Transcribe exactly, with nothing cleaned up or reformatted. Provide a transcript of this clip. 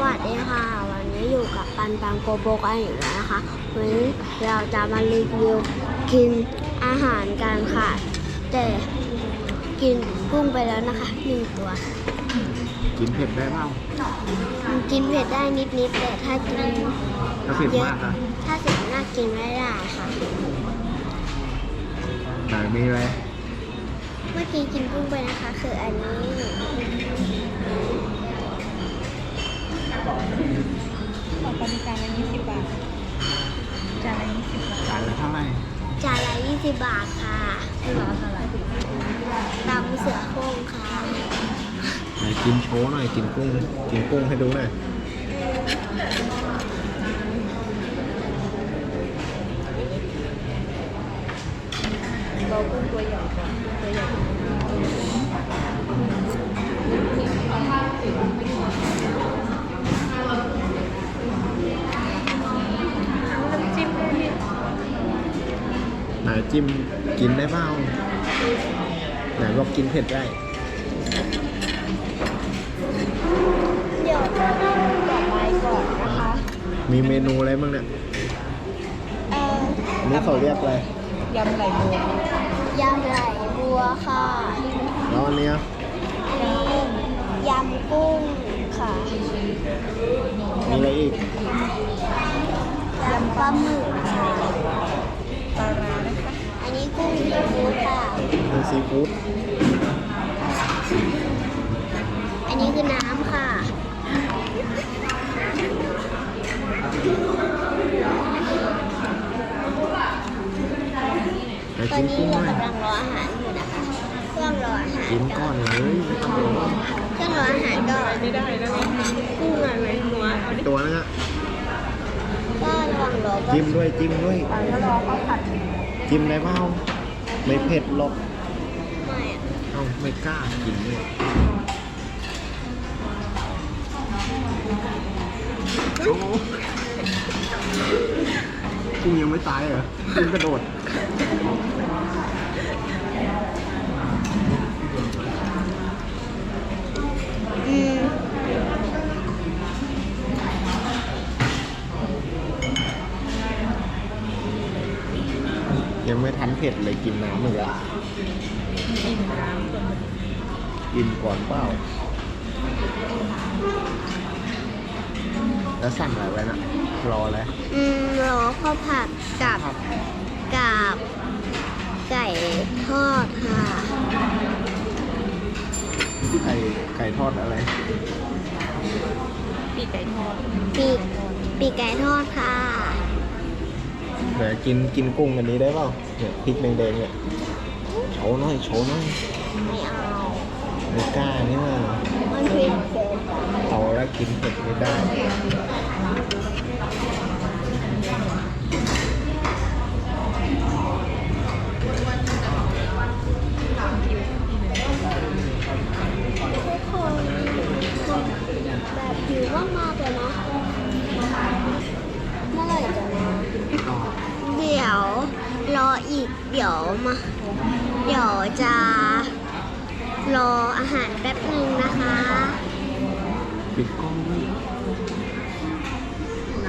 วัสดีค่ะวันนี้อยู่กับปันปังโกโบกันอยู่แล้วนะคะวันนี้เราจะมารีวิวกินอาหารกันค่ะ แต่กินกุ้งไปแล้วนะคะหนึ่งตัวกินเผ็ดได้เปล่ากินเผ็ดได้นิดๆแต่ถ้ากินถ้าเผ็ดเยอะมากนะถ้าเผ็ดมากกินไม่ได้ค่ะไหนมีอะไรเมื่อกี้กินกุ้งไปนะคะ คืออันนี้ของปริการละยี่สิบบาท จานละยี่สิบบาทจานละเท่าไหร่จานละยี่สิบบาทค่ะร้อนอะไรตำเสือโคร่งค่ะไหนกินโชว์หน่อยกินกุ้งกินกุ้งให้ดูหน่อยเรากุ้งตัวใหญ่ก่อนตัวใหญ่น้ำจิ้มด้วยนี่ไหนจิ้มกินได้เปล่าไหนบอกกินเผ็ดได้เดี๋ยวจะนั่งต่อไปก่อนนะคะมีเมนูอะไรบ้างเนี่ยเอ่ออันนี้เขาเรียกอะไรยำไหลบัวยำไหลบัวค่ะแล้วอันเนี้ยอันนี้ยำกุ้งค่ะมีอะไรอีกยำปลาหมึกค่ะปลาร้านะคะอันนี้กุ้งซีฟู้ดค่ะมีซีฟู้ดอันนี้คือน้ำค่ะไหนตอนกินนี้กุ้งหเราน่อยกำลังรออาหารอยู่นะคะ เครื่องรออาหารกินก้อนเลยไม่ต้องรอเครื่องรออาหารก่อนไม่ได้นะกุ้งอะไรหัวเอาดิตัวนึงอะก็ระวังรอก็จิ้มด้วยจิ้มด้วยปลาแล้วรอข้าวผัดจิ้มได้เปล่าไม่เผ็ดหรอกไม่อะเอ้าไม่กล้ากินด้วยโอ้กุ้งยังไม่ตายเหรอกุ้งกระโดดอืมยังไม่ทันเผ็ดเลยกินน้ำเลยอะอิ่มน้ำก่อนกินก่อนเปล่า แล้วสั่งอะไรไว้นะรออะไรอืมรอข้าวผัดกับกับไก่ทอดค่ะไก่ไก่ทอดอะไรปีกไก่ทอดปีกปีกไก่ทอดค่ะเดี๋ยวกินกินกุ้งอันนี้ได้เปล่าเนี่ยพริกแดงๆเนี่ยโชว์หน่อยโชว์หน่อยไม่เอาไม่กล้านี่ว่ามันเผ็ดเกินเอาแล้วกินเผ็ดไม่ได้ทุกคนแบบหิวมากๆเลยเนาะเมื่อไหร่จะมาเดี๋ยวรออีกเดี๋ยวมา เดี๋ยวจะรออาหารแป๊บหนึ่งนะคะปิดกล้อง